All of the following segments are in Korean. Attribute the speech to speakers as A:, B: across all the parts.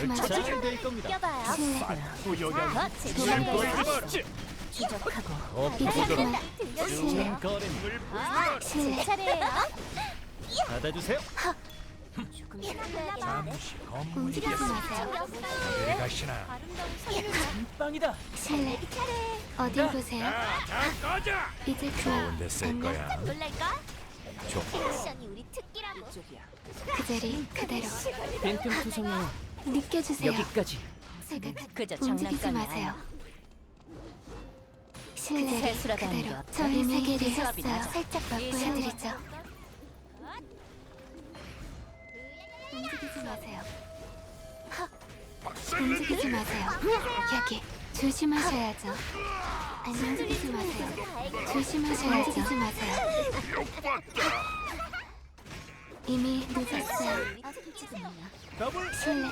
A: 그만.
B: 잘될 겁니다.
C: 껴봐요.
A: 구역이야.
C: 도망가지. 추적하고
A: 이제 그만.
C: 들려주세요.
B: 거래
A: 실례.
C: 제 차례예요.
B: 받아주세요.
A: 잠시 움직이지 마세요.
D: 어디 가시나?
B: 빵이다.
A: 실례. 어딜 보세요?
D: 자, 꺼져!
A: 이제 그만.
D: 좋은데 쓸
A: 안녕.
D: 거야.
C: 놀랄까?
D: 좋아.
C: 액션이 우리 특기라고.
A: 그 자리 그대로.
B: 뱅큼 투성이에요.
A: 느껴주세요.
B: 여기까지.
C: 그저
A: 움직이지
C: 장난감이
A: 마세요.
C: 그
A: 실내
C: 세수라다는 게
A: 그대로.
C: 어때?
A: 저희
C: 이미
A: 세계를
C: 수업이
A: 했어요.
C: 나죠.
A: 살짝 맛보여드리죠. 움직이지 마세요. 움직이지 마세요. 여기 조심하셔야죠. 아니 움직이지 마세요. 조심하셔야죠. 움직이지 마세요. 이미 늦었어요.
B: 더블
A: 실례.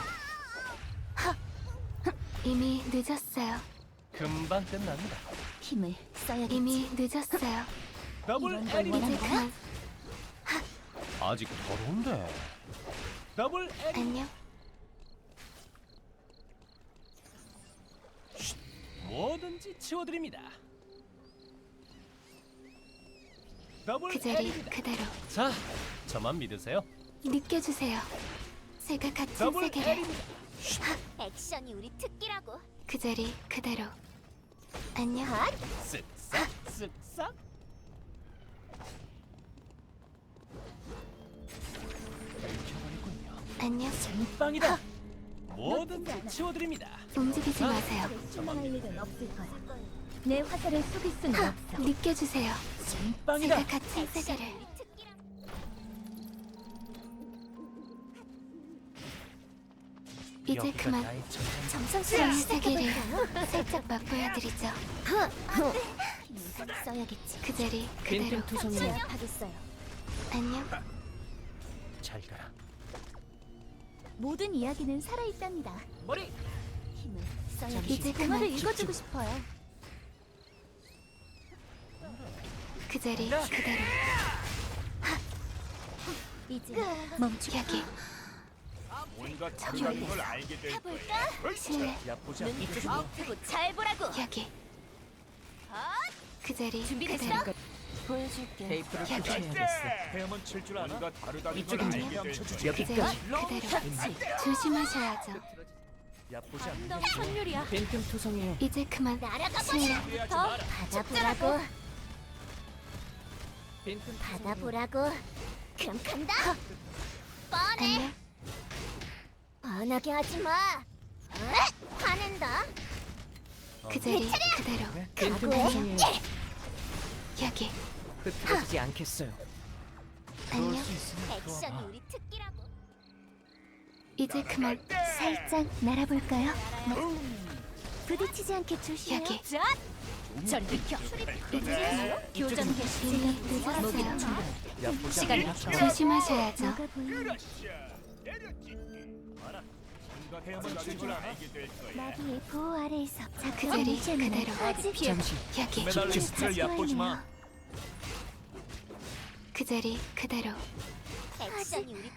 A: 이미 늦었어요.
B: 금방 끝납니다.
C: 힘을 써야겠지.
A: 이미 늦었어요.
B: 더블
C: 이런 걸
B: 에리.
A: 이제 그만.
B: 아직 더러운데. 더블 에리.
A: 안녕.
B: 뭐든지 치워드립니다. 더블
A: 그 자리
B: 에리입니다.
A: 그대로.
B: 자, 저만 믿으세요.
A: 느껴주세요. 제가 같은
B: 더블
A: 세계를.
B: 에리입니다.
C: 액션이 우리 특기라고.
A: 그 자리 그대로. 안녕.
B: 쓱싹 쓱싹. 읽혀버리군요.
A: 안녕.
B: 빵이다. 뭐든지 치워드립니다.
A: 움직이지 마세요.
C: 실망할 일은 없을 거야. 내 화살을 속일 수는 없어.
A: 느껴주세요.
B: 빵이다.
A: 제가 같은 세계를.
C: 우리 특기라고.
A: 이제
B: 여기가
A: 그만.
B: 나의 전장.
C: 정성스러운
A: 저희 세계를 살짝 맛보여드리죠.
C: 힘을 써야겠지.
A: 그 자리 그대로.
B: 뱅큼 투성이에요.
C: 하겠어요.
A: 안녕.
B: 잘 가라.
C: 모든 이야기는 살아있답니다.
B: 머리.
C: 힘을 써야겠지.
A: 이제
C: 동화를
A: 그만.
C: 읽어주고 싶어요.
A: 그 자리 그대로.
C: 이제 멈추.
A: 여기
D: 뭔가 다르다는 걸 알게 될 거야.
A: 실내.
B: 야보자.
C: 눈 뜨고 잘 보라고.
A: 여기 그 자리
C: 준비됐어?
A: 그대로.
C: 보여줄게.
B: 테이프를
A: 여기.
B: 붙여야겠어. 헤엄은 칠 줄 아나?
D: 뭔가 다르다는 걸
B: 이쪽은
D: 알게 될 거야.
A: 그
B: 여기까지.
A: 자리 그대로. 조심하셔야죠.
B: 야보지
C: 너
B: 않는
C: 선율이야.
B: 뱅큼 투성이에요.
A: 이제 그만.
C: 날아가
A: 실내.
C: 버려. 더 받아보라고.
B: 뱅큼
C: 받아보라고. 그럼 간다. 뻔해.
A: 안녕.
C: 뻔하게 하지 마. 화낸다.
A: 그 자리 그대로.
B: 뱅큼
C: 각오해.
B: 투성이에요.
A: 여기
B: 흐트러지지 않겠어요.
A: 안녕.
C: 액션이 우리 특기라고.
A: 이제 그만.
C: 살짝 날아볼까요? 부딪히지 않게 조심해요.
A: 여기.
C: 저리 비켜.
A: 이제
C: 교전 개시.
A: 이미 늦었어요.
B: 야보지
C: 시간이
B: 않는
C: 없어.
A: 조심하셔야죠.
C: 뭐가 보이니?
D: 뭔가 헤엄은 칠줄 알게 될 거야.
C: 나비의 보호 아래에서
A: 그 자리 그대로.
B: 잠시.
A: 여기
B: 매달린 스트를 얕보지 마.
A: 그 자리 그대로.
C: 액션이 우리